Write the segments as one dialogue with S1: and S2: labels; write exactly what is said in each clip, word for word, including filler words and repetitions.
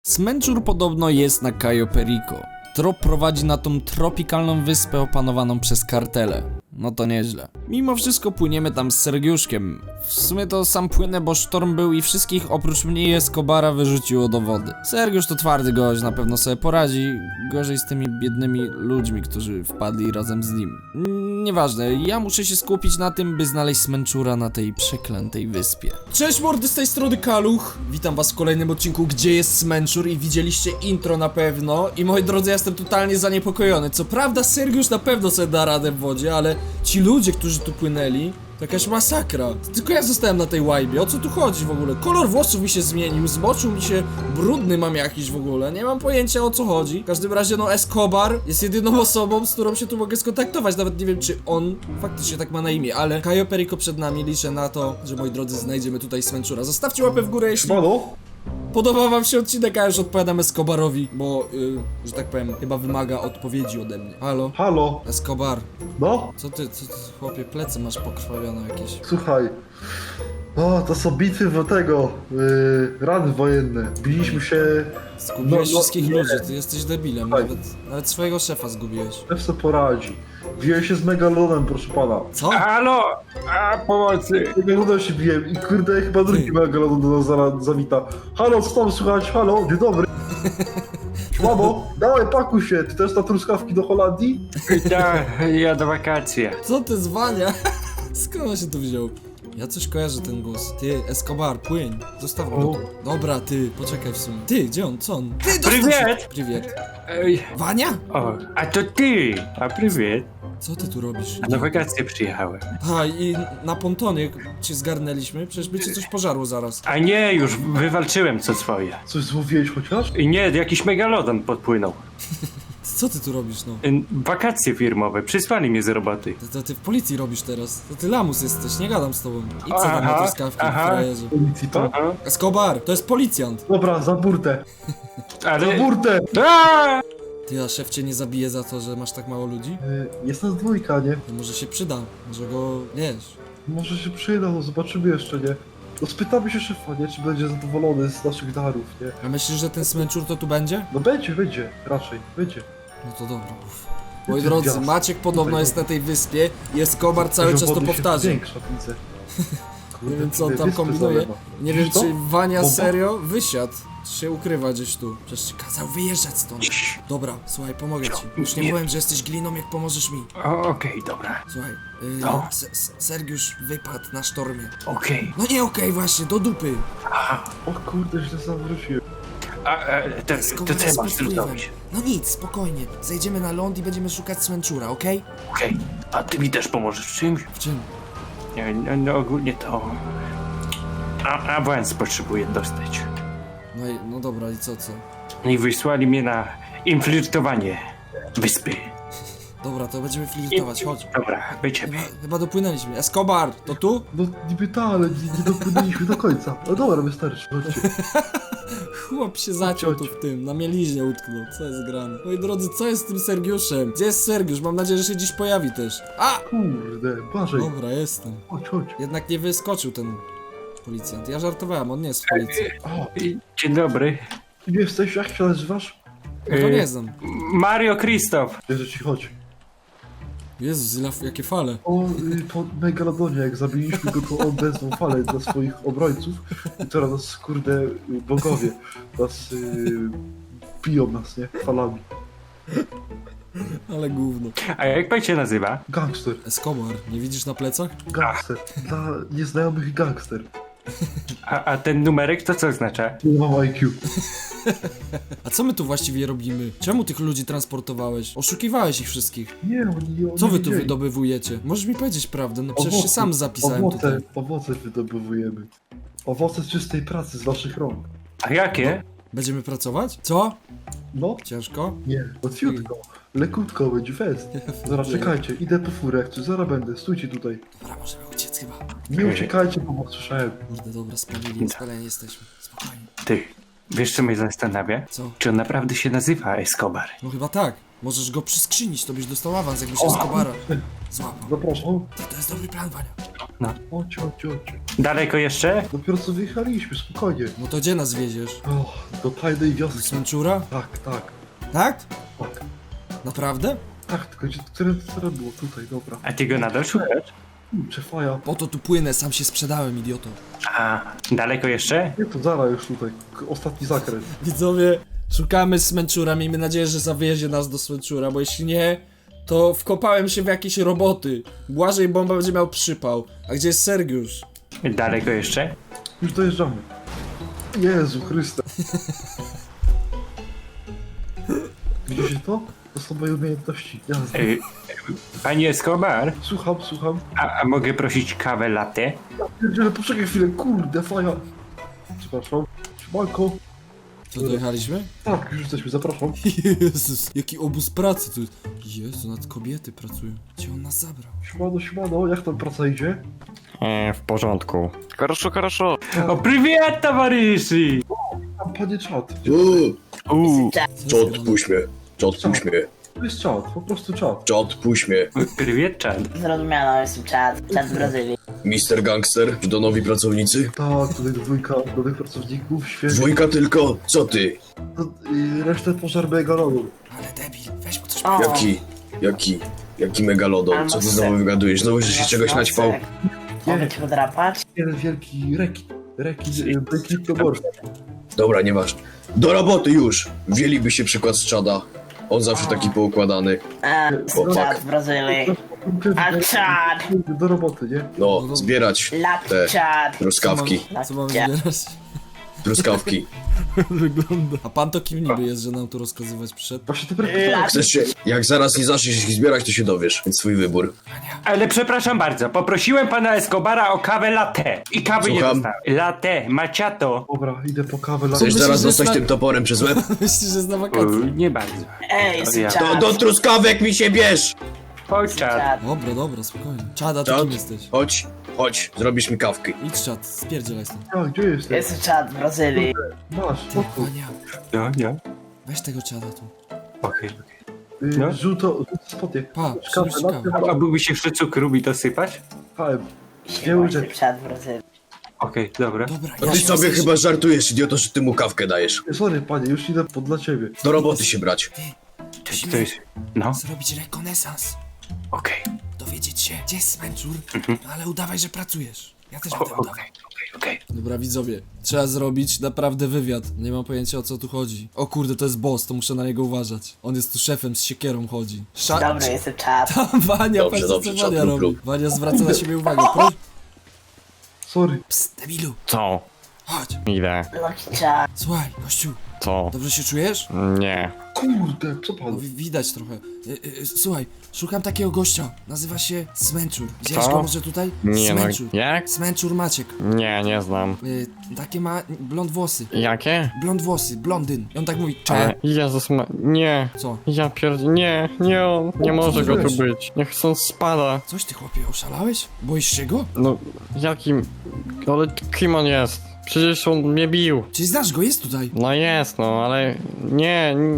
S1: Smęczur podobno jest na Cayo Perico. Trop prowadzi na tą tropikalną wyspę opanowaną przez kartele. No to nieźle. Mimo wszystko płyniemy tam z Sergiuszkiem. W sumie to sam płynę, bo sztorm był i wszystkich oprócz mnie i Escobara wyrzuciło do wody. Sergiusz to twardy gość, na pewno sobie poradzi. Gorzej z tymi biednymi ludźmi, którzy wpadli razem z nim. Mm, Nieważne, ja muszę się skupić na tym, by znaleźć Smęczura na tej przeklętej wyspie. Cześć mordy, z tej strony Kaluch. Witam was w kolejnym odcinku Gdzie jest Smęczur i widzieliście intro na pewno. I moi drodzy, ja jestem totalnie zaniepokojony. Co prawda Sergiusz na pewno sobie da radę w wodzie, ale ci ludzie, którzy tu płynęli, to jakaś masakra. Tylko ja zostałem na tej łajbie, o co tu chodzi w ogóle? Kolor włosów mi się zmienił, zmoczył mi się, brudny mam jakiś w ogóle, nie mam pojęcia o co chodzi. W każdym razie no Escobar jest jedyną osobą, z którą się tu mogę skontaktować, nawet nie wiem czy on faktycznie tak ma na imię, ale Cayo Perico przed nami, liczę na to, że moi drodzy znajdziemy tutaj Smęczura. Zostawcie łapę w górę, jeśli podoba wam się odcinek, a już odpowiadam Escobarowi, bo, yy, że tak powiem, chyba wymaga odpowiedzi ode mnie. Halo?
S2: Halo?
S1: Escobar,
S2: No?
S1: co ty, co ty, chłopie, plecy masz pokrwawione jakieś.
S2: Słuchaj. O, to są bitwy tego, yy, rany wojenne. Biliśmy się...
S1: Zgubiłeś
S2: No, no,
S1: wszystkich
S2: nie.
S1: ludzi, ty jesteś debilem,
S2: Słuchaj.
S1: nawet, nawet swojego szefa zgubiłeś.
S2: Szef co poradzi. Biłem się z Megalonem, proszę pana.
S1: Co?
S3: Halo! A, pomocy!
S2: Z Megalonem się biłem i kurde, chyba drugi
S1: Ty.
S2: Megalodon do nas zaraz zawita. Halo, co tam słychać? Halo, dzień dobry. Mamo, dawaj, pakuj się. Ty też na truskawki do Holandii?
S3: Tak, ja do wakacji.
S1: Co ty zwania? Skąd on się tu wziął? Ja coś kojarzę ten głos. Ty, Escobar, płyń. Zostaw go
S2: O.
S1: tu. Dobra, ty, poczekaj w sumie. Ty, gdzie on? Co on? Ty, dostał
S3: Привет!
S1: się. Привет.
S3: Ej,
S1: Wania?
S3: o, a to ty! A prywiet!
S1: Co ty tu robisz?
S3: A na wakacje przyjechałem.
S1: A, i na pontonie cię zgarnęliśmy? Przecież by cię coś pożarło zaraz.
S3: A nie, już wywalczyłem co swoje.
S2: Coś złowiłeś chociaż?
S3: I nie, jakiś megalodon podpłynął.
S1: Co ty tu robisz, no?
S3: Y, Wakacje firmowe, przysłali mnie z roboty.
S1: To, to ty w policji robisz teraz. To ty lamus jesteś, nie gadam z tobą. Idź co tam na
S3: Aha,
S1: truskawki,
S3: aha.
S1: frajerze.
S2: Policji pan?
S3: Aha,
S1: Escobar, to jest policjant.
S2: Dobra, za burtę. Za
S3: ale...
S2: burtę!
S3: A!
S1: Ty, a szef cię nie zabije za to, że masz tak mało ludzi?
S2: Yy, jest nas dwójka, nie?
S1: To może się przyda, może go, wiesz.
S2: Może się przyda, no zobaczymy jeszcze, nie? No spytamy się szefa, nie? Czy będzie zadowolony z naszych darów, nie?
S1: A myślisz, że ten Smęczur to tu będzie?
S2: No będzie, będzie, raczej, będzie.
S1: No to dobra, uff. Moi
S2: Ty
S1: drodzy,
S2: gwiazd.
S1: Maciek podobno
S2: Tutaj,
S1: jest na tej wyspie i Escobar cały czas to
S2: Wody się
S1: powtarza.
S2: Większa, widzę.
S1: Nie wiem co on
S2: Kurde,
S1: tam
S2: wyspy
S1: kombinuje.
S2: zalewa.
S1: Nie wiem
S2: Widzisz to?
S1: czy Wania
S2: Bomba?
S1: serio wysiadł, czy się ukrywa gdzieś tu. Przecież ci kazał wyjeżdżać stąd. Dobra, słuchaj, pomogę ci. Już nie
S3: Nie.
S1: powiem, że jesteś gliną, jak pomożesz mi.
S3: O, Okej, dobra,
S1: Słuchaj, yy,
S3: No.
S1: Se- Se- Sergiusz wypadł na sztormie.
S3: okej.
S1: No nie okej, właśnie, do dupy.
S2: O kurde, źle zawróciłem.
S3: A, a, to,
S1: Escobar
S3: to co
S1: jest
S3: mam
S1: pod wpływem.
S3: zrobić?
S1: No nic, spokojnie. Zejdziemy na ląd i będziemy szukać Smęczura, okej?
S3: Okej, a ty mi też pomożesz w czymś?
S1: W czym?
S3: Nie, no, no ogólnie to... A, awans potrzebuję dostać.
S1: No i, no dobra, i co, co?
S3: I wysłali mnie na infiltrowanie wyspy.
S1: Dobra, to będziemy flirtować, chodź.
S3: Dobra, będziemy.
S1: Chyba, chyba dopłynęliśmy. Escobar, to tu?
S2: No niby ta, ale nie, nie dopłynęliśmy do końca. No dobra, wystarczy, chodźcie.
S1: Chłop się zaciął tu w tym, na mieliźnie utknął. Co jest grane? Moi drodzy, co jest z tym Sergiuszem? Gdzie jest Sergiusz? Mam nadzieję, że się dziś pojawi też. A!
S2: Kurde, Błażej,
S1: Dobra, jestem.
S2: chodź, chodź.
S1: Jednak nie wyskoczył ten policjant. Ja żartowałem, on nie jest w policji.
S2: O,
S3: I- Dzień dobry.
S2: kim jesteś? Jak się nazywasz?
S1: No to
S3: Y,
S1: nie znam.
S3: Mario Krzysztof.
S2: Bierze ci, chodź.
S1: Jezus, ile, jakie fale.
S2: O, y, po Megalodonie, jak zabiliśmy go, to on wezwał falę dla swoich obrońców. I teraz nas, kurde, y, bogowie nas y, biją nas, nie? Falami.
S1: Ale gówno.
S3: A jak pan się nazywa?
S2: Gangster,
S1: Escobar, nie widzisz na plecach?
S2: gangster. Dla nieznajomych gangster.
S3: A, a ten numerek to co oznacza?
S2: Nie mam I Q.
S1: A co my tu właściwie robimy? Czemu tych ludzi transportowałeś? Oszukiwałeś ich wszystkich.
S2: Nie, oni, oni
S1: Co wy tu
S2: wiedzieli.
S1: wydobywujecie? Możesz mi powiedzieć prawdę, no przecież się
S2: Owoce,
S1: sam zapisałem
S2: owoce,
S1: tutaj.
S2: Owoce wydobywujemy. Owoce czystej pracy z waszych rąk.
S3: A jakie?
S1: Będziemy pracować? Co?
S2: No,
S1: Ciężko?
S2: nie, łatwiutko. Lekutko, będzie fest. Zaraz czekajcie, idę po furę, jak coś, zaraz będę, stójcie tutaj.
S1: Dobra, możemy uciec chyba.
S2: Nie uciekajcie, bo was słyszałem.
S1: Kurde, dobra, spalili, spaleni jesteśmy. Spokojnie.
S3: Ty, wiesz co mnie zastanawia?
S1: Co?
S3: Czy on naprawdę się nazywa Escobar?
S1: No chyba tak. Możesz go przyskrzynić, to byś dostał awans, jakbyś
S2: O,
S1: Escobara złapał.
S2: Zapraszam.
S1: To, to jest dobry plan, Wania.
S2: Chodź, chodź, chodź.
S3: Daleko jeszcze?
S2: Dopiero co wyjechaliśmy, spokojnie.
S1: No to gdzie nas wieziesz?
S2: O, do tajnej
S1: Do
S2: wioski.
S1: Smęczura?
S2: Tak, tak,
S1: Tak?
S2: tak.
S1: Naprawdę?
S2: Tak, tylko gdzie, które, które było? Tutaj, dobra.
S3: A ty go nadal szukasz?
S2: Kurczę, faja.
S1: Po to tu płynę, sam się sprzedałem, idioto.
S3: A, daleko jeszcze?
S2: Nie, to zaraz już tutaj. K- Ostatni zakręt.
S1: Widzowie, szukamy Smęczura, miejmy nadzieję, że zawiezie nas do Smęczura, bo jeśli nie, to wkopałem się w jakieś roboty. Błażej Bomba będzie miał przypał. A gdzie jest Sergiusz?
S3: Daleko jeszcze?
S2: Już dojeżdżamy. Jezu Chryste. Widzicie to? To są moje umiejętności. Jazda.
S3: Y, Panie Escobar,
S2: Słucham, słucham.
S3: a, a mogę prosić kawę latte?
S2: Pierdziele, poczekaj chwilę, kurde, faja. Przepraszam. Siemanko.
S1: Co, dojechaliśmy?
S2: Tak, już jesteśmy, zapraszam.
S1: Jezus, jaki obóz pracy tu. Jezu, nad kobiety pracują. Gdzie on nas zabrał?
S2: Siemano, siemano, jak tam praca idzie?
S4: E, w porządku.
S5: Хорошо, хорошо.
S3: O, привет, towarzyszy!
S2: Tam panie czat.
S4: Uuu,
S1: Co jest grane?
S4: puść mnie. Czad, puść mnie.
S2: To jest czat, po prostu czat.
S4: Czad, puść mnie.
S3: Привет, Chad.
S6: Zrozumiano, jestem czad, czad z Brazylii.
S4: mister Gangster, czy to nowi pracownicy?
S2: Tak, tutaj dwójka nowych pracowników, świetnie.
S4: Dwójka tylko? Co ty?
S2: To, y, resztę pożar megalonu.
S1: Ale debil, weź mu coś.
S6: O,
S4: Jaki, jaki, jaki megalodon? Co ty znowu wygadujesz? Znowu, że się czegoś naćpał?
S6: Mogę ci podrapać?
S2: Jeden wielki rekin. Rekin, y, rekin to morze.
S4: Dobra, nieważne. Do roboty już! Wzięliby się przykład z Czada. On zawsze taki poukładany.
S6: A, jestem
S4: Chłopak.
S6: czad z Brazylii. A czad!
S2: Do roboty, nie?
S4: No, zbierać
S6: Lat
S4: te
S6: czad!
S4: truskawki.
S1: Co mamy zbierać?
S4: Truskawki.
S1: Wygląda. A pan to kim niby jest, że nam tu rozkazywać przyszedł?
S2: Właśnie to brak
S6: Lat
S4: Chcesz się, jak zaraz nie zaczniesz ich zbierać, to się dowiesz. Więc swój wybór.
S3: Ale przepraszam bardzo, poprosiłem pana Escobara o kawę latte. I kawy nie
S4: Słucham?
S3: dostałem. Latte, macchiato.
S2: Dobra, idę po kawę. lat-
S4: Chcesz
S1: Myślisz,
S4: zaraz
S1: że
S4: dostać
S1: zna-
S4: tym toporem przez łeb?
S1: Myślisz, że jest na
S3: O,
S1: wakacje?
S3: nie bardzo.
S6: Ej, jestem
S3: Ja.
S4: To
S6: czad!
S4: do truskawek mi się bierz!
S3: Chodź, Chad.
S6: Czad.
S1: Dobra, dobra, spokojnie. Czada, ty
S4: Czad,
S1: kim jesteś?
S4: chodź, chodź, zrobisz mi kawkę.
S1: Idź czad, spierdzielaj stąd.
S2: A, gdzie jesteś?
S6: Jestem czad z Brazylii.
S2: Masz,
S1: Ty,
S2: spokój.
S1: Wania,
S3: No, no.
S1: weź tego czada tu.
S3: Okej, okej.
S2: Y,
S3: No.
S2: Żółto, żółto spodnie.
S1: Pa,
S2: Kawę,
S1: przynieś
S2: lat-
S1: kawę.
S3: A byłby się jeszcze cukru mi dosypać?
S2: Kałem.
S6: Siema,
S2: łyżeczki.
S6: jestem czad z Brazylii.
S3: Okej, dobra.
S1: Dobra,
S4: No
S1: ja
S4: ty
S1: się
S4: sobie
S1: chcę-
S4: chyba żartujesz, idioto, że ty mu kawkę dajesz.
S2: Sorry, panie, już idę pod dla ciebie.
S4: Do roboty się brać.
S1: Ty,
S3: To
S1: musimy
S3: jest... No,
S1: zrobić rekonesans.
S3: okej.
S1: Dowiedzieć się, gdzie jest Smęczur, no ale udawaj, że pracujesz. Ja też
S3: O,
S1: będę
S3: Okej,
S1: udawał.
S3: okej, okej.
S1: Dobra, widzowie, trzeba zrobić naprawdę wywiad. Nie mam pojęcia, o co tu chodzi. O kurde, to jest boss, to muszę na niego uważać. On jest tu szefem, z siekierą chodzi. Sza...
S6: Dobry, jestem czad.
S1: Tam Wania,
S4: Dobrze,
S1: patrz,
S4: dobrze,
S1: co
S4: czad,
S1: Wania
S4: rób,
S1: robi.
S4: rób.
S1: Wania zwraca na siebie uwagę. Pro...
S2: Sorry.
S1: Psst, debilu,
S5: Co?
S1: chodź.
S5: Idę.
S6: Lucky czad.
S1: Słuchaj, gościu,
S5: Co?
S1: dobrze się czujesz?
S5: Nie.
S2: Kurde, co
S1: No,
S2: pan?
S1: wi- widać trochę. Y, y, słuchaj, szukam takiego gościa. Nazywa się Smęczur. Widziałeś
S5: Co?
S1: go może tutaj?
S5: Nie no,
S1: Smęczur.
S5: jak?
S1: Smęczur Maciek.
S5: Nie, nie znam.
S1: Y, takie ma blond włosy.
S5: Jakie?
S1: Blond włosy, blondyn. I on tak mówi,
S5: Ale
S1: cze.
S5: Jezus ma... Nie.
S1: Co?
S5: Ja pierd... Nie, nie on. Nie może go tu
S1: zrobiłeś?
S5: być. Niech stąd spada.
S1: Coś ty chłopie, oszalałeś? Boisz się go?
S5: No, jakim... Ale kim on jest? Przecież on mnie bił.
S1: Czy znasz go? Jest tutaj.
S5: No jest, no, ale... Nie... Nie,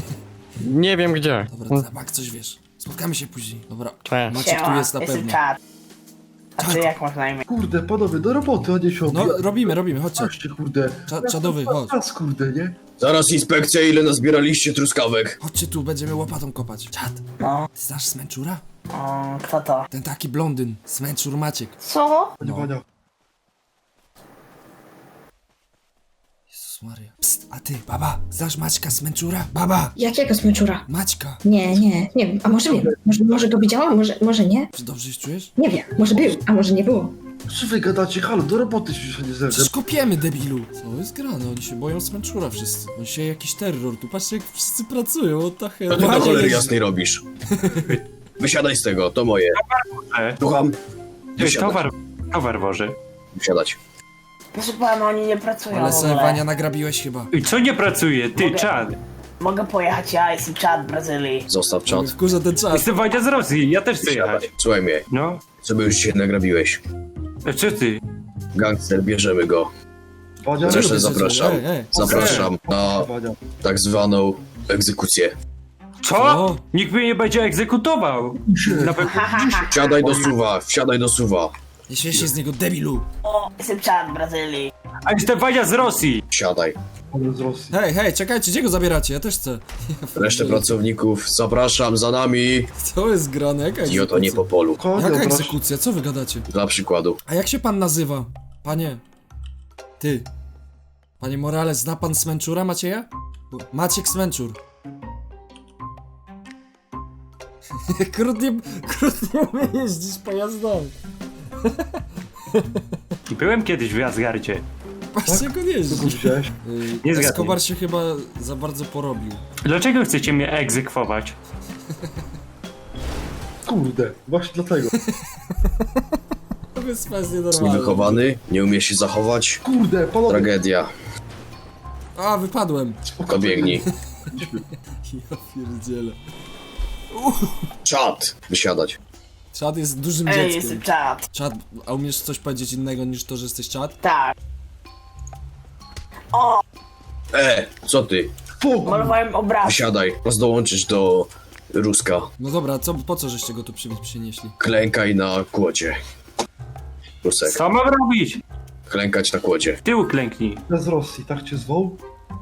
S5: nie wiem gdzie.
S1: Dobra, ty na bank coś wiesz. Spotkamy się później. Dobra.
S5: Cześć.
S1: Maciek tu
S6: Siema,
S1: jest na
S6: jestem
S1: pewno.
S6: czad. A ty
S1: Czad.
S6: jak masz na imię?
S2: Kurde, panowie, do roboty, a nie się
S1: No,
S2: obija-
S1: robimy, robimy, chodźcie.
S2: Chodźcie, kurde.
S1: Cza- czadowy, chodź.
S2: Czas, kurde, nie?
S4: Zaraz inspekcja, ile nazbieraliście truskawek?
S1: Chodźcie tu, będziemy łopatą kopać. Czad,
S6: No.
S1: ty znasz Smęczura?
S6: O, kto to?
S1: Ten taki blondyn. Smęczur Maciek.
S6: Co?
S2: Panie
S1: No.
S2: Wania.
S1: Jezus Maria. Psst, a ty, baba, znasz Maćka Smęczura? Baba!
S7: Jakiego smyczura?
S1: Maćka!
S7: Nie, nie, nie wiem. A może wiem. Może, może go widziałam, może, może nie?
S1: Czy dobrze się czujesz?
S7: Nie wiem. Może był, a może nie było.
S2: Co wy gadacie? Halo, do roboty się nie zerwę.
S1: Przecież kopiemy, debilu! Co jest grane? Oni się boją Smęczura wszyscy. On się jakiś terror. Tu patrzcie, jak wszyscy pracują. What the hell?
S4: Co ty do
S1: Wania
S4: cholery
S1: jeździ.
S4: jasnej robisz? Wysiadaj z tego, to moje.
S3: E,
S4: Słucham?
S3: e,
S4: Wysiadać.
S3: Towar, towar woży.
S4: Wysiadać.
S6: Proszę pana, oni nie pracują
S1: Ale
S6: w
S1: se
S6: ogóle.
S1: Wania nagrabiłeś chyba.
S3: I co nie pracuje? Ty,
S6: Mogę-
S3: Chad.
S6: Mogę pojechać, ja jestem czad z Brazylii.
S4: Zostaw czat.
S1: Wkurza ten czas.
S3: Jestem Wojtek z Rosji, ja też chcę
S4: Wysiadaj.
S3: jechać.
S4: Słuchaj mnie,
S3: No.
S4: co by już dzisiaj nagrabiłeś?
S3: E, Co ty?
S4: Gangster, bierzemy go.
S2: Wania,
S4: Zresztą
S1: lubię
S4: zapraszam.
S1: Ej, ej.
S4: Zapraszam na
S2: Wania.
S4: tak zwaną egzekucję.
S3: Co?
S1: Co?
S3: Nikt mnie nie będzie egzekutował. Na pewno.
S4: Wsiadaj do suwa, wsiadaj do suwa.
S1: Nie śmiej się z niego, debilu!
S6: O, jestem Chad Brazylii.
S3: A jestem Wania z Rosji!
S4: Siadaj.
S2: Ale z Rosji.
S1: Hej, hej, czekajcie, gdzie go zabieracie? Ja też chcę.
S4: Resztę pracowników zapraszam za nami.
S1: Co jest grane? Jaka
S4: I oto nie po
S1: egzekucja?
S4: polu.
S2: Kogo
S1: Jaka
S2: obraż?
S1: egzekucja? Co wy gadacie?
S4: Dla przykładu.
S1: A jak się pan nazywa? Panie. Ty. Panie Morales, zna pan Smęczura Macieja? Bo- Maciek Smęczur. Krótnie, krótnie jeździsz pojazdami.
S3: Byłem kiedyś w Asgardzie.
S1: Patrzcie, jak on
S2: Co
S1: jeździ.
S2: tu widziałeś?
S1: Yy,
S3: Nie zgadnij.
S1: Escobar się chyba za bardzo porobił.
S3: Dlaczego chcecie mnie egzekwować?
S2: Kurde, właśnie dlatego.
S1: To wyspa jest nienormalna.
S4: Niewychowany, nie umie się zachować.
S2: Kurde, panowie.
S4: Tragedia.
S1: A, wypadłem.
S4: To biegnij.
S1: Ja pierdzielę.
S4: Czad. Wysiadać.
S1: Czad jest dużym
S6: Ej,
S1: dzieckiem.
S6: jestem Chad.
S1: Czad, a umiesz coś powiedzieć innego niż to, że jesteś czad?
S6: Tak. O,
S4: E, co ty?
S2: Spokój.
S6: malowałem obraz.
S4: Wysiadaj. Masz dołączyć do Ruska.
S1: No dobra, co, po co żeście go tu przy, przynieśli?
S4: Klękaj na kłodzie. Rusek.
S3: Co mam robić?
S4: Klękać na kłodzie.
S3: W tył klęknij.
S2: Z Rosji, tak cię zwoł?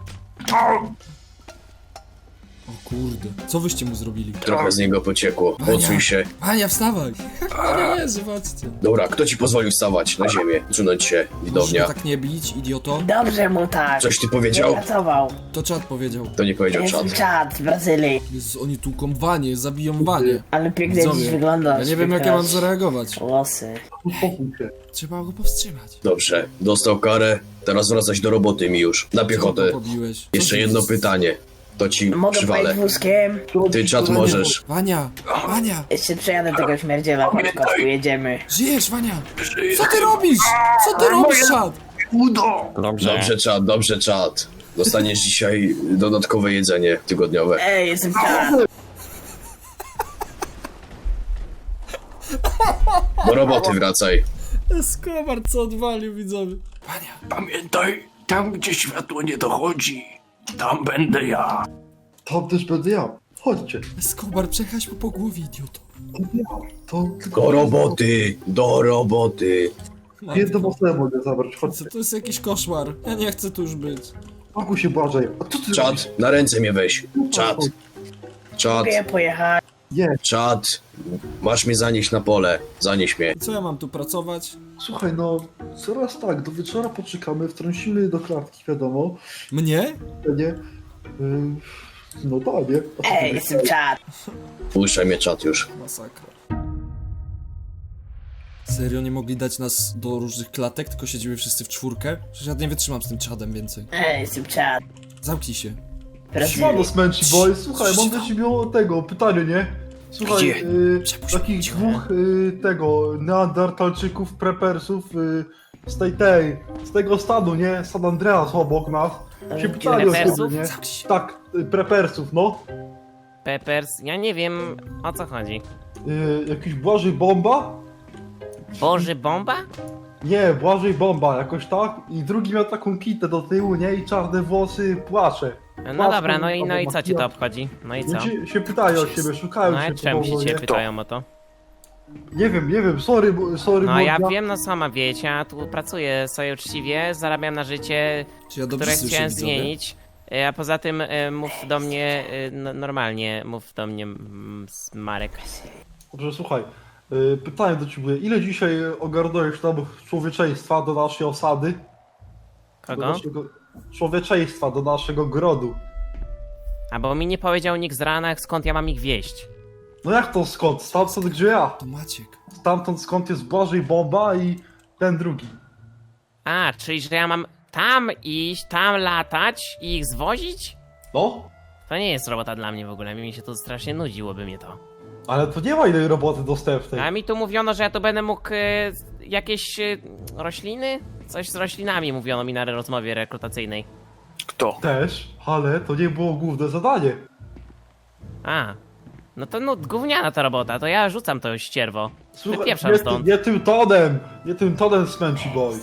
S1: O kurde, co wyście mu zrobili?
S4: Trochę z niego pociekło. Odsuń się.
S1: Ania, wstawaj! Ja nie zobaczcie.
S4: Dobra, kto ci pozwolił wstawać na ziemię? Zsunąć się,
S1: Możesz
S4: widownia.
S1: tak nie bić, idioto?
S6: Dobrze mu tak.
S4: Coś ty
S6: Nie
S4: powiedział?
S6: pracował.
S1: To czad powiedział.
S4: To nie powiedział
S6: Jestem
S4: czad.
S6: Chad z Brazylii.
S1: Jezus, oni tłuką wanie, zabiją wanie.
S6: Ale pięknie dziś
S1: Widzowie,
S6: wyglądasz.
S1: ja nie wiem jak ja
S6: piękna
S1: mam zareagować.
S6: Włosy.
S2: Uspokój się.
S1: Trzeba go powstrzymać.
S4: Dobrze, dostał karę. Teraz wracać do roboty mi już. Na piechotę.
S1: Czemu go pobiłeś? Co
S4: Jeszcze
S1: ty-
S4: jedno pytanie. To ci
S6: Mogę
S4: przywalę.
S6: pojechać wózkiem?
S4: Ty czad
S1: Wania,
S4: możesz.
S1: Wania, Wania,
S6: Jeszcze przejadę tego śmierdziela, chodź kotku, jedziemy.
S1: żyjesz, Wania? Co ty robisz? Co ty robisz, czad?
S5: Dobrze.
S4: Dobrze czad, dobrze czad. Dostaniesz dzisiaj dodatkowe jedzenie tygodniowe.
S6: Ej, jestem Chad.
S4: Do roboty wracaj.
S1: Escobar, co odwalił, widzowie. Wania,
S3: Pamiętaj, tam gdzie światło nie dochodzi, tam będę ja.
S2: Tam też będę ja. Chodźcie.
S1: Escobar, przechać mu po głowie, idioto.
S2: To
S4: Do roboty, do roboty.
S2: jedną osobę mogę zabrać. Chodźcie.
S1: Co to jest jakiś koszmar? Ja nie chcę tu już być.
S2: Spokój się, Błażej. A co ty robisz?
S4: Czad, na ręce mnie weź. Czad, czad,
S6: Mogę pojechać.
S2: Nie,
S4: czad. Masz mnie zanieść na pole. Zanieś mnie.
S1: I co ja mam tu pracować?
S2: słuchaj, no, zaraz tak, do wieczora poczekamy, wtrącimy do klatki, wiadomo.
S1: Mnie?
S2: Nie? Yy, no tak, nie? A co
S6: Ej,
S2: ty
S6: jestem
S2: myślałeś?
S6: Chad.
S4: Puszczaj mnie czad już.
S1: Masakra. Serio, nie mogli dać nas do różnych klatek, tylko siedzimy wszyscy w czwórkę? Przecież ja nie wytrzymam z tym czadem więcej.
S6: Ej, jestem Chad.
S1: Zamknij się.
S6: Brazylii.
S2: Siemano, Smęci Boy, słuchaj, mam do ciebie o tego pytanie, nie? Słuchaj,
S1: Gdzie?
S2: y,
S1: Przepuść
S2: takich
S1: mnie.
S2: dwóch y, tego neandertalczyków, prepersów y, z tej tej, z tego stanu, nie? San Andreas obok nas. Się pytali o
S8: Prepersów?
S2: ciebie, nie?
S1: Zamknij się.
S2: Tak, y, prepersów, no.
S8: Peppers, ja nie wiem o co chodzi.
S2: Y, jakiś Błażej Bomba?
S8: Boży bomba?
S2: Nie, Błażej Bomba, jakoś tak. I drugi miał taką kitę do tyłu, nie? I czarne włosy, płacze.
S8: No dobra, no i, no i co ci to obchodzi? No i co?
S2: No ci się pytają o ciebie, szukają
S8: No
S2: cię
S8: i czemu się
S2: pomogą,
S8: cię
S2: nie?
S8: pytają o to?
S2: Nie wiem, nie wiem, sorry, bo- sorry,
S8: No ja
S2: morda.
S8: wiem, no sama wiecie, ja tu pracuję sobie uczciwie, zarabiam na życie,
S1: Czy ja dobrze
S8: które
S1: słyszę,
S8: chciałem
S1: widzowie?
S8: zmienić. E, A poza tym e, mów do mnie e, no, normalnie, mów do mnie mm, s- Marek.
S2: Dobrze, słuchaj, y, pytanie do ciebie, ile dzisiaj ogarnąłeś tam człowieczeństwa do naszej osady? Do
S8: Kogo?
S2: naszego człowieczeństwa, do naszego grodu.
S8: A bo mi nie powiedział nikt z rana, skąd ja mam ich wieść.
S2: No jak to skąd? Stamtąd gdzie ja?
S1: To Maciek.
S2: Stamtąd skąd jest Błażej Bomba i ten drugi.
S8: A, czyli że ja mam tam iść, tam latać i ich zwozić?
S2: No,
S8: To nie jest robota dla mnie w ogóle, mi się to strasznie nudziłoby mnie to.
S2: ale to nie ma innej roboty dostępnej.
S8: A mi tu mówiono, że ja tu będę mógł e, jakieś e, rośliny? Coś z roślinami mówiono mi na rozmowie rekrutacyjnej.
S3: Kto?
S2: Też, ale to nie było główne zadanie.
S8: A, no to no gówniana ta robota, to ja rzucam to ścierwo. Wypieprzam
S2: nie,
S8: stąd.
S2: nie tym tonem, nie tym tonem, Smęci Boy.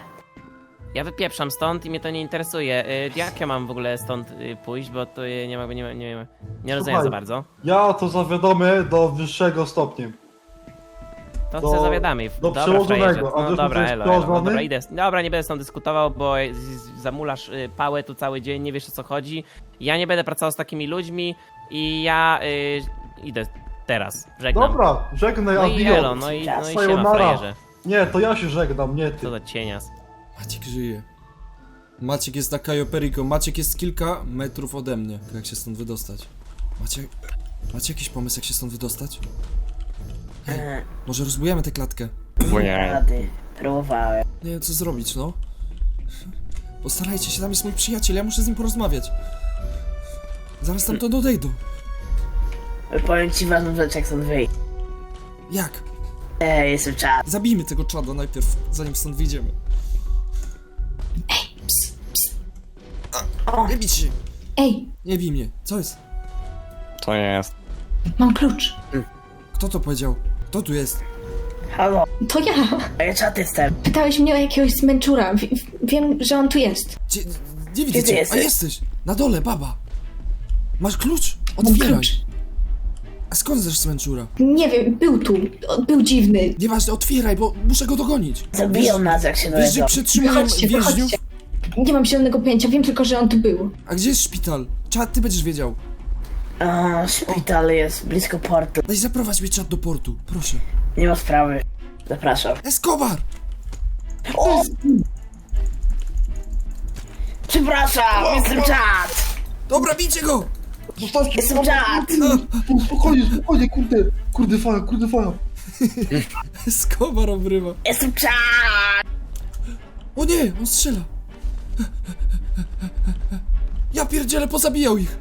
S8: Ja wypieprzam stąd i mnie to nie interesuje. E, jak ja mam w ogóle stąd e, pójść, bo to e, nie ma, nie ma, nie, ma, nie rozumiem
S2: Słuchaj.
S8: za bardzo.
S2: Ja to zawiadomię do wyższego stopnia.
S8: To
S2: Do-
S8: co zawiadamy.
S2: do
S8: Dobra,
S2: przełożonego,
S8: frajerze.
S2: a
S8: No
S2: wiesz,
S8: dobra,
S2: kto jest
S8: elo, elo. No
S2: przełożony?
S8: dobra, idę. Dobra, nie będę z tą dyskutował, bo z- z- zamulasz y, pałę tu cały dzień, nie wiesz o co chodzi. Ja nie będę pracował z takimi ludźmi i ja y, idę teraz. Żegnam.
S2: Dobra, żegnaj,
S8: No i
S2: adio.
S8: elo, no i, no i siema,
S2: Sayonara.
S8: frajerze.
S2: Nie, to ja się żegnam, nie ty.
S8: Co za cienias.
S1: Maciek żyje. Maciek jest na Cayo Perico. Maciek jest kilka metrów ode mnie. Jak się stąd wydostać? Macie... Macie jakiś pomysł, jak się stąd wydostać? Hej, może rozbujemy tę klatkę?
S5: Nie.
S6: Rady. Próbowałem.
S1: Nie wiem, co zrobić, no. Postarajcie się, tam jest mój przyjaciel, ja muszę z nim porozmawiać. Zaraz tam to odejdą.
S6: Powiem ci ważną rzecz, jak stąd wyjść.
S1: Jak?
S6: Ej, jestem czad.
S1: Zabijmy tego czada najpierw, zanim stąd wyjdziemy. A, nie bić się!
S7: Ej,
S1: Nie bij mnie. Co jest?
S5: To nie jest.
S7: mam klucz.
S1: Kto to powiedział? Kto tu jest?
S6: Halo,
S7: To ja.
S6: a ja czad jestem.
S7: Pytałeś mnie o jakiegoś zmęczura. W- w- wiem, że on tu jest.
S1: Gdzie, nie widzę
S6: ty
S1: cię. A
S6: jesteś?
S1: jesteś! Na dole, baba! Masz klucz?
S7: Mam
S1: Otwieraj!
S7: klucz.
S1: A skąd znasz Smęczura?
S7: Nie wiem, był tu. O, Był dziwny.
S1: Nieważne, otwieraj, bo muszę go dogonić.
S6: Zabiją nas, jak się
S1: Wiesz, że
S6: dowiedzą.
S1: przetrzymują
S7: Wychodźcie,
S1: więźniów?
S7: wychodźcie. Nie mam zielonego pojęcia, wiem tylko, że on tu był.
S1: A gdzie jest szpital? Czad, ty będziesz wiedział.
S6: O, szpital jest blisko portu.
S1: Daj zaprowadź mnie czad do portu, proszę.
S6: Nie ma sprawy. Zapraszam.
S1: Escobar!
S6: O! Przepraszam, jestem czad!
S1: Dobra, bijcie go!
S2: Zostawcie
S6: Jestem czad!
S2: Tu, spokojnie, spokojnie, kurde, kurde faja, kurde faja.
S1: Escobar obrywa.
S6: Jestem czad!
S1: O nie, on strzela. Ja pierdzielę, pozabijał ich.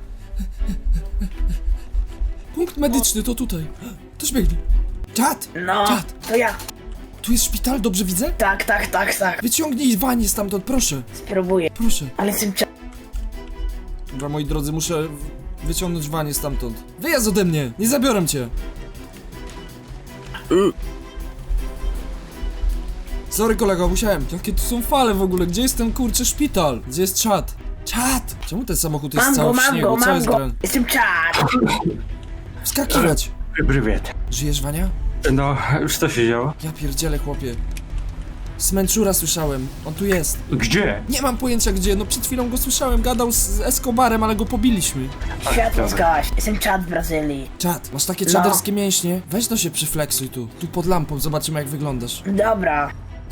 S1: Punkt medyczny to tutaj. Też biegnie. Czad!
S6: No,
S1: Czad!
S6: to ja.
S1: Tu jest szpital, dobrze widzę?
S6: Tak, tak, tak, tak.
S1: Wyciągnij Wanie stamtąd, proszę.
S6: Spróbuję.
S1: Proszę.
S6: Ale jestem czad.
S1: Dobra, moi drodzy, muszę w- wyciągnąć Wanie stamtąd. Wyjazd ode mnie! Nie zabiorę cię! Sorry kolego, musiałem. Jakie tu są fale w ogóle? Gdzie jest ten kurczę szpital? Gdzie jest czad? Czad! Czemu ten samochód jest
S6: Mam
S1: cały
S6: go,
S1: w
S6: mam
S1: śniegu?
S6: go,
S1: Co
S6: mam
S1: jest
S6: go.
S1: grane?
S6: Jestem czad!
S1: Wskakiwać!
S3: Prywiet.
S1: Żyjesz, Wania?
S3: No, już co się działo?
S1: Ja pierdzielę, chłopie. Smęczura słyszałem. On tu jest.
S3: Gdzie?
S1: Nie mam pojęcia gdzie, no przed chwilą go słyszałem. Gadał z Escobarem, ale go pobiliśmy.
S6: Światło zgaś. Jestem czad w Brazylii.
S1: Czad, masz takie
S6: No.
S1: czaderskie mięśnie? Weź to się przyfleksuj tu. Tu pod lampą, zobaczymy jak wyglądasz.
S6: Dobra.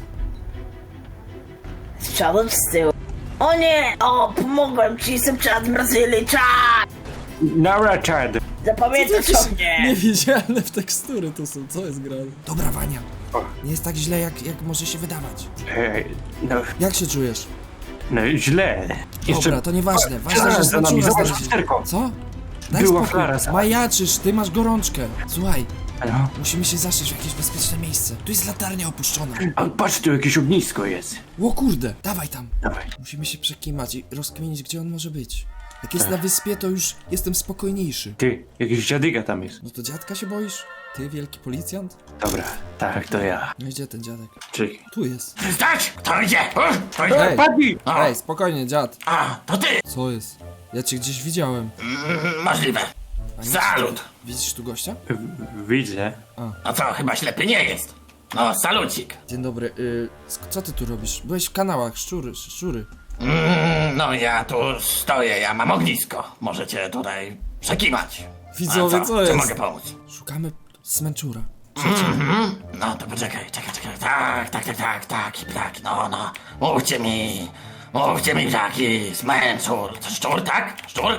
S6: Z przodu czy z tyłu? O nie! O, pomogłem ci, jestem czad w Brazylii, czad!
S3: Nara Chad.
S6: Zapamiętasz o mnie!
S1: Niewidzialne w tekstury to są, co jest grane? Dobra, Wania.
S3: O.
S1: Nie jest tak źle jak, jak może się wydawać.
S3: Ej, no,
S1: Jak się czujesz?
S3: no źle.
S1: Dobra, to nieważne. Ważne,
S3: Flara
S1: że
S3: za nami,
S1: Smęczura
S3: zobacz
S1: znaleźli.
S3: lusterko.
S1: Co? Daj
S3: Była
S1: spokój.
S3: Flara za-
S1: Majaczysz, ty masz gorączkę. Słuchaj,
S3: No.
S1: musimy się zaszyć w jakieś bezpieczne miejsce. Tu jest latarnia opuszczona.
S3: A patrz, tu jakieś ognisko jest.
S1: O kurde, dawaj tam.
S3: Dawaj.
S1: Musimy się przekimać i rozkminić, gdzie on może być. Jak jest na wyspie, to już jestem spokojniejszy.
S3: Ty, jakiś dziadyga tam jest.
S1: No to dziadka się boisz? Ty, wielki policjant?
S3: Dobra, tak, to ja.
S1: No gdzie ten dziadek?
S3: Czekaj.
S1: Tu jest.
S9: Stać! Kto idzie? O, kto idzie?
S1: Ej,
S3: Padnij!
S1: ej, spokojnie, dziad.
S9: A, to ty!
S1: Co jest? Ja cię gdzieś widziałem.
S9: Mm, możliwe.
S1: A nie-
S9: Salut!
S1: Widzisz tu gościa?
S3: W- Widzę.
S9: No co, chyba ślepy nie jest. No, salucik.
S1: Dzień dobry, y, sk- co ty tu robisz? Byłeś w kanałach, szczury, szczury.
S9: Mm, no ja tu stoję, ja mam ognisko. Możecie tutaj przekimać.
S1: Widzowie,
S9: A
S1: co
S9: Czy
S1: jest?
S9: mogę pomóc?
S1: Szukamy Smęczura.
S9: Mhm. No to poczekaj, czekaj, czekaj. Tak, tak, tak, tak, tak, tak, no, no. Mówcie mi, mówcie mi taki smęczur. To szczur, tak? Szczur?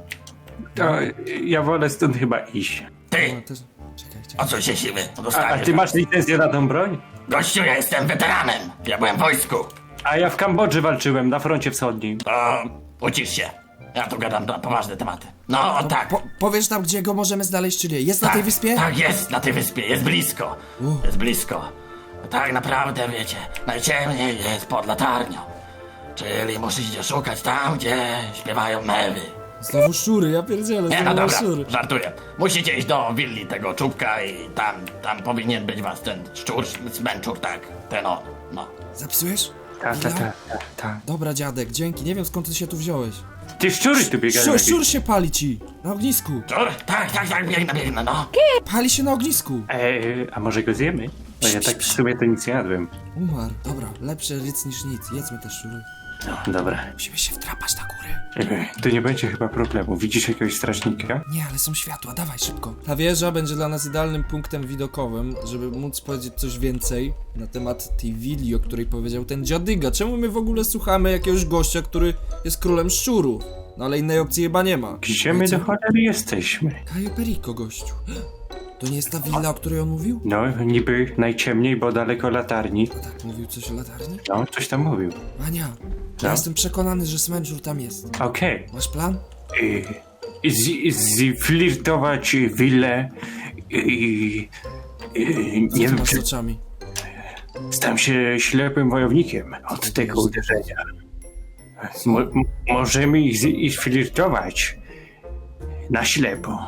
S3: To ja wolę stąd chyba iść.
S1: No,
S9: Ty,
S1: też... Czekaj,
S9: o
S1: czekaj.
S9: co się siły?
S3: A, a
S9: Dostaniesz.
S3: ty masz licencję na tą broń?
S9: Gościu, ja jestem weteranem. Ja byłem w wojsku.
S3: A ja w Kambodży walczyłem, na froncie wschodnim.
S9: To ucisz się. Ja tu gadam na poważne tematy. No, tak.
S1: Po, powiesz nam, gdzie go możemy znaleźć, czy nie? Jest na
S9: tak,
S1: tej wyspie?
S9: Tak, jest na tej wyspie, jest blisko.
S1: U.
S9: Jest blisko. Tak naprawdę, wiecie, najciemniej jest pod latarnią. Czyli musicie szukać tam, gdzie śpiewają mewy.
S1: Znowu szczury, ja pierdzielę,
S9: Nie, no
S1: znowu
S9: dobra,
S1: szczury.
S9: żartuję. Musicie iść do willi tego czubka i tam, tam powinien być was ten szczur, smęczur, tak. Ten on, no.
S1: Zapisujesz?
S3: Tak, tak,
S1: Chwila?
S3: tak, tak, tak.
S1: Dobra, dziadek, dzięki. Nie wiem, skąd ty się tu wziąłeś.
S3: Ty szczury tu biegają
S1: Szczur,
S3: jakieś.
S1: szczur się pali ci! Na ognisku!
S9: Szczur? Tak, tak, tak, biegnę, biegnę, no.
S1: Pali się na ognisku!
S3: Ej, a może go zjemy? No ja tak w sumie to nic nie jadłem.
S1: Umarł. Dobra, lepsze ryc niż nic. Jedzmy te szczury.
S3: No, dobra.
S1: Musimy się wdrapać na górę.
S3: Ej, To nie będzie chyba problemu. Widzisz jakiegoś strażnika?
S1: Nie, ale są światła, dawaj szybko. Ta wieża będzie dla nas idealnym punktem widokowym, żeby móc powiedzieć coś więcej na temat tej willi, o której powiedział ten dziadyga. Czemu my w ogóle słuchamy jakiegoś gościa, który jest królem szczurów? No ale innej opcji chyba nie ma.
S3: Gdzie my do cholery jesteśmy?
S1: Cayo Perico, gościu. To nie jest ta willa, o której on mówił?
S3: No, niby najciemniej, bo daleko latarni.
S1: Tak, mówił coś o latarni?
S3: No, coś tam mówił.
S1: Mania,
S3: No.
S1: ja jestem przekonany, że Smęczur tam jest.
S3: Okej.
S1: Masz plan?
S3: Okay. Zflirtować willę i... i-
S1: Co
S3: Nie
S1: ty
S3: wiem,
S1: masz
S3: czy
S1: z oczami?
S3: stałem się ślepym wojownikiem od tego uderzenia. Mo m- możemy ich, z- ich flirtować na ślepo.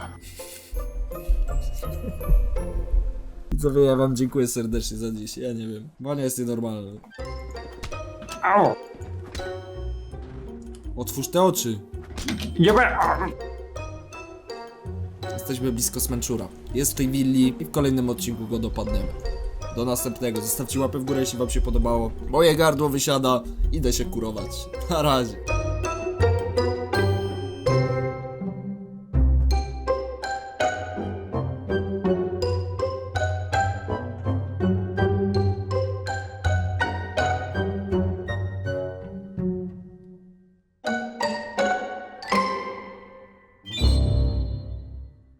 S1: Widzowie, ja wam dziękuję serdecznie za dziś, ja nie wiem. Mania jest nienormalny.
S3: Au!
S1: Otwórz te oczy.
S3: Nie be...
S1: Jesteśmy blisko Smęczura. Jest w tej willi i w kolejnym odcinku go dopadniemy. Do następnego. Zostawcie łapę w górę, jeśli wam się podobało. Moje gardło wysiada. Idę się kurować. Na razie.